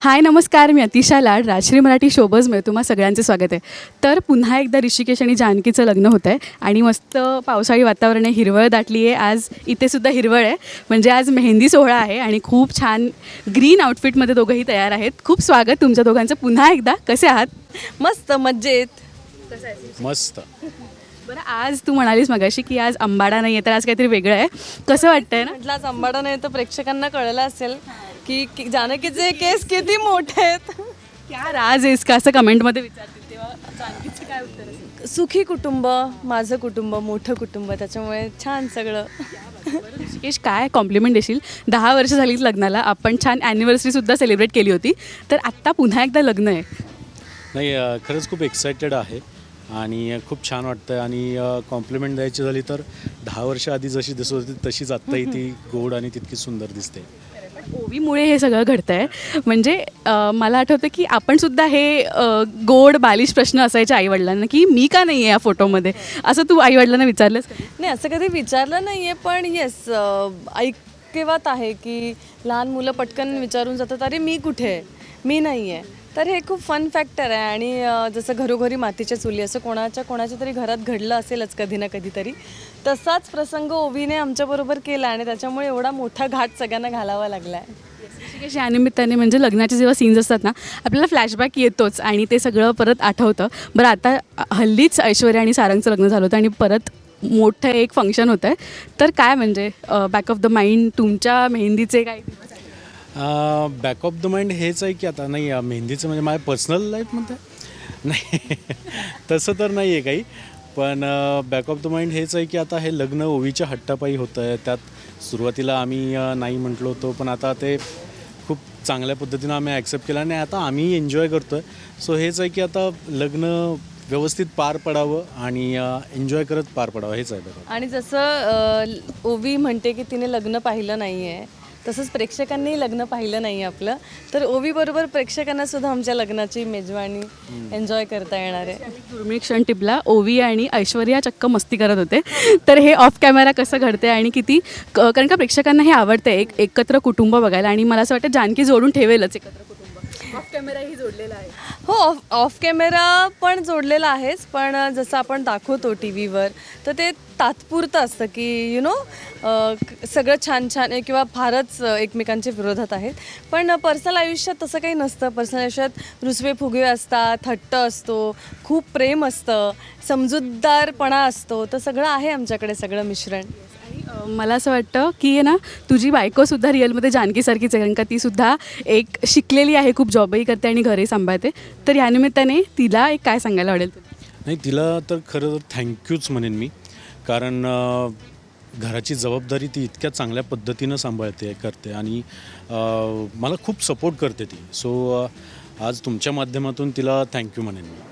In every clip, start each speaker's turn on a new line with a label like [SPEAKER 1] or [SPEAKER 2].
[SPEAKER 1] हाय नमस्कार, मी अतिशा लाड, राजश्री मराठी शोबजमध्ये तुम्हा सगळ्यांचे स्वागत आहे. तर पुन्हा एकदा ऋषिकेश आणि जानकीचं लग्न होतं आहे आणि मस्त पावसाळी वातावरण आहे, हिरवळ दाटली आहे. आज इथेसुद्धा हिरवळ आहे, म्हणजे आज मेहंदी सोहळा आहे आणि खूप छान ग्रीन आउटफिटमध्ये दोघंही तयार आहेत. खूप स्वागत तुमच्या दोघांचं पुन्हा एकदा. कसे आहात?
[SPEAKER 2] मस्त मज्जेत.
[SPEAKER 3] मस्त.
[SPEAKER 1] बरं, आज तू म्हणालीस मगाशी की आज आंबाडा नाही आहे, तर आज काहीतरी वेगळं आहे. कसं वाटतंय ना?
[SPEAKER 2] म्हटलं आज आंबाडा नाही तर प्रेक्षकांना कळलं असेल की जानकीचे केस किती मोठे आहेत.
[SPEAKER 1] क्या राज आहेस का असं कमेंटमध्ये विचारतील तेव्हा जानकीचं काय उत्तर असेल?
[SPEAKER 2] सुखी कुटुंब, माझं कुटुंब, मोठं कुटुंब, त्याच्यामुळे छान सगळं.
[SPEAKER 1] बरं ऋषिकेश, काय कॉम्प्लिमेंट देशील? 10 वर्ष झालीत लग्नाला, आपण छान ॲनिव्हर्सरीसुद्धा सेलिब्रेट केली होती, तर आत्ता पुन्हा एकदा लग्न आहे.
[SPEAKER 3] नाही, खरंच खूप एक्सायटेड आहे आणि खूप छान वाटतं आहे. आणि कॉम्प्लिमेंट द्यायची झाली तर 10 वर्ष आधी जशी दिसत होती तशीच आत्ताही ती गोड आणि तितकी सुंदर दिसते.
[SPEAKER 1] ओवीमुळे हे सगळं घडतं आहे. म्हणजे मला आठवतं की आपण सुद्धा हे गोड बालिश प्रश्न असायचे आईवडिलांना की मी का नाही आहे या फोटोमध्ये, असं तू आईवडिलांना विचारलंस का?
[SPEAKER 2] नाही, असं कधी विचारलं नाही आहे, पण येस ऐकिवात आहे की लहान मुलं पटकन विचारून जातात, अरे मी कुठे आहे, मी नाही आहे. तर हे खूप फन फॅक्टर आहे. आणि जसं घरोघरी मातीच्या चुली, असं कोणाच्या तरी घरात घडलं असेलच कधी ना कधीतरी. तसाच प्रसंग ओवीने आमच्याबरोबर केला आणि त्याच्यामुळे एवढा मोठा घाट सगळ्यांना घालावा लागला आहे.
[SPEAKER 1] ऋषिकेश, या निमित्ताने म्हणजे लग्नाचे जेव्हा सीन्स असतात ना, आपल्याला फ्लॅशबॅक येतोच आणि ते सगळं परत आठवतं. बरं, आता हल्लीच ऐश्वर्या आणि सारंगचं लग्न झालं होतं आणि परत मोठं एक फंक्शन होतं आहे, तर काय म्हणजे बॅक ऑफ द माइंड तुमच्या मेहंदीचे काय?
[SPEAKER 3] बॅक ऑफ द माइंड हेच आहे की आता नाही, मेहंदीचं म्हणजे माझ्या पर्सनल लाईफ म्हणते नाही तसं तर नाही आहे काही, पण बॅक ऑफ द माइंड हेच आहे की आता हे लग्न ओवीच्या हट्टापायी होतं आहे. त्यात सुरुवातीला आम्ही नाही म्हटलो होतो, पण आता ते खूप चांगल्या पद्धतीनं आम्ही ॲक्सेप्ट केलं आणि आता आम्ही एन्जॉय करतो आहे. सो हेच आहे की आता लग्न व्यवस्थित पार पडावं आणि एन्जॉय करत पार पडावं, हेच आहे बरोबर.
[SPEAKER 2] आणि जसं ओवी म्हणते की तिने लग्न पाहिलं नाही आहे, तसंच प्रेक्षकांनीही लग्न पाहिलं नाही आहे आपलं. तर ओवीबरोबर प्रेक्षकांना सुद्धा आमच्या लग्नाची मेजवानी एन्जॉय करता येणार आहे.
[SPEAKER 1] दुर्मिळ क्षण टिपला. ओवी आणि ऐश्वर्या चक्क मस्ती करत होते. तर हे ऑफ कॅमेरा कसं घडते आणि किती कारण का प्रेक्षकांना हे आवडतं एकत्र कुटुंब बघायला, आणि मला असं वाटतं जानकी जोडून ठेवेलच एकत्र कुटुंब. ऑफ कॅमेराही जोडलेला आहे.
[SPEAKER 2] हो, ऑफ कॅमेरा पण जोडलेला आहेच, पण जसं आपण दाखवतो टी व्हीवर तर ते तात्पुरतं असतं की सगळं छान छान आहे किंवा फारच एकमेकांच्या विरोधात आहेत. पण पर्सनल आयुष्यात तसं काही नसतं. पर्सनल आयुष्यात रुसवे फुगवे असतात, हट्ट असतो, खूप प्रेम असतं, समजूतदारपणा असतो. तर सगळं आहे आमच्याकडे, सगळं मिश्रण.
[SPEAKER 1] मला असं वाटतं की ना, तुझी बायकोसुद्धा रिअलमध्ये जानकीसारखीच आहे, कारण का तीसुद्धा एक शिकलेली आहे, खूप जॉबही करते आणि घरही सांभाळते. तर या निमित्ताने तिला एक काय सांगायला आवडेल तुला?
[SPEAKER 3] नाही, तिला तर खरं तर थँक्यूच म्हणेन मी, कारण घराची जबाबदारी ती इतक्या चांगल्या पद्धतीनं सांभाळते करते आणि मला खूप सपोर्ट करते ती. सो आज तुमच्या माध्यमातून तिला थँक्यू म्हणेन मी.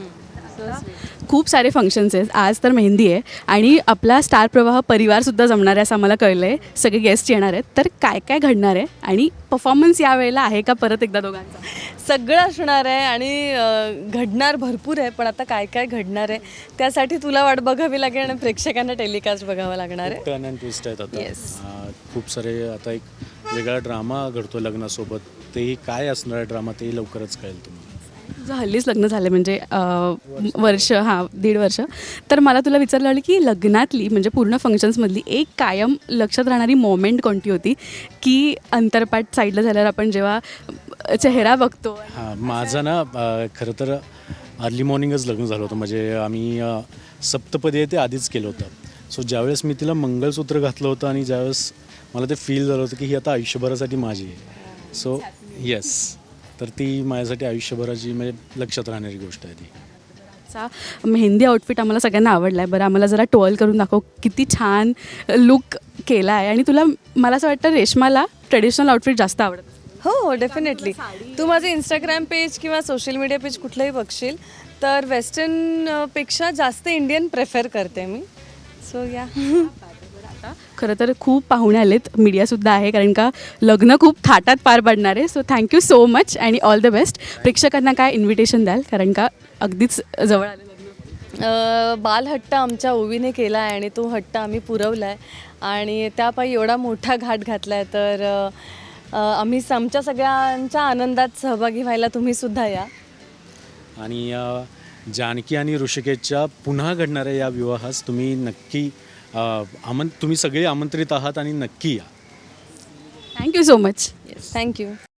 [SPEAKER 1] खूप सारे फंक्शन्स आहेत. आज तर मेहंदी आहे आणि आपला स्टार प्रवाह परिवारसुद्धा जमणार आहे असं आम्हाला कळलं आहे. सगळे गेस्ट येणार आहेत. तर काय काय घडणार आहे आणि परफॉर्मन्स यावेळेला आहे का परत एकदा दोघांचा?
[SPEAKER 2] सगळं असणार आहे आणि घडणार भरपूर आहे. पण आता काय काय घडणार आहे त्यासाठी तुला वाट बघावी लागेल आणि प्रेक्षकांना टेलिकास्ट बघावं लागणार आहे.
[SPEAKER 3] टर्न अँड ट्विस्ट आहेत आता.
[SPEAKER 2] Yes.
[SPEAKER 3] खूप सारे आता एक वेगळा ड्रामा घडतो लग्नासोबत. तेही काय असणार आहे ड्रामा, तेही लवकरच कळेल तुम्हाला.
[SPEAKER 1] तुझं हल्लीच लग्न झालं म्हणजे वर्ष, 1.5 वर्ष. तर मला तुला विचारलं आलं की लग्नातली म्हणजे पूर्ण फंक्शन्समधली एक कायम लक्षात राहणारी मोमेंट कोणती होती, की अंतरपाठ साईडला झाल्यावर आपण जेव्हा चेहरा बघतो?
[SPEAKER 3] हां, माझं ना खरं तर अर्ली मॉर्निंगच लग्न झालं होतं. म्हणजे आम्ही सप्तपदी आहे ते आधीच केलं होतं. सो ज्यावेळेस मी तिला मंगळसूत्र घातलं होतं आणि ज्यावेळेस मला ते फील झालं होतं की ही आता आयुष्यभरासाठी माझी आहे. सो येस, तर ती माझ्यासाठी आयुष्यभराची म्हणजे लक्षात राहणारी गोष्ट आहे ती.
[SPEAKER 1] चा मेहंदी आउटफिट आम्हाला सगळ्यांना आवडला आहे. बरं, आम्हाला जरा टोल करून दाखव, किती छान लुक केला आहे. आणि तुला, मला असं वाटतं रेशमाला ट्रेडिशनल आउटफिट जास्त आवडतं.
[SPEAKER 2] हो, डेफिनेटली. तू माझं इंस्टाग्राम पेज किंवा सोशल मीडिया पेज कुठलंही बघशील तर वेस्टर्नपेक्षा जास्त इंडियन प्रेफर करते मी. सो या.
[SPEAKER 1] खरं तर खूप पाहुणे आलेत, मीडियासुद्धा आहे, कारण का लग्न खूप थाटात पार पडणार आहे. सो थँक्यू सो मच आणि ऑल द बेस्ट. प्रेक्षकांना काय इन्व्हिटेशन द्याल, कारण का अगदीच जवळ आलं लग्न?
[SPEAKER 2] बालहट्ट आमच्या ओवीने केला आहे आणि तो हट्ट आम्ही पुरवला आहे आणि त्यापायी एवढा मोठा घाट घातला आहे. तर आम्ही आमच्या सगळ्यांच्या आनंदात सहभागी व्हायला तुम्हीसुद्धा या.
[SPEAKER 3] आणि जानकी आणि ऋषिकेशच्या पुन्हा घडणाऱ्या या विवाहास तुम्ही नक्की तुम्ही सगळे आमंत्रित आहात आणि नक्की या.
[SPEAKER 1] Thank you so much.
[SPEAKER 2] Yes, thank you.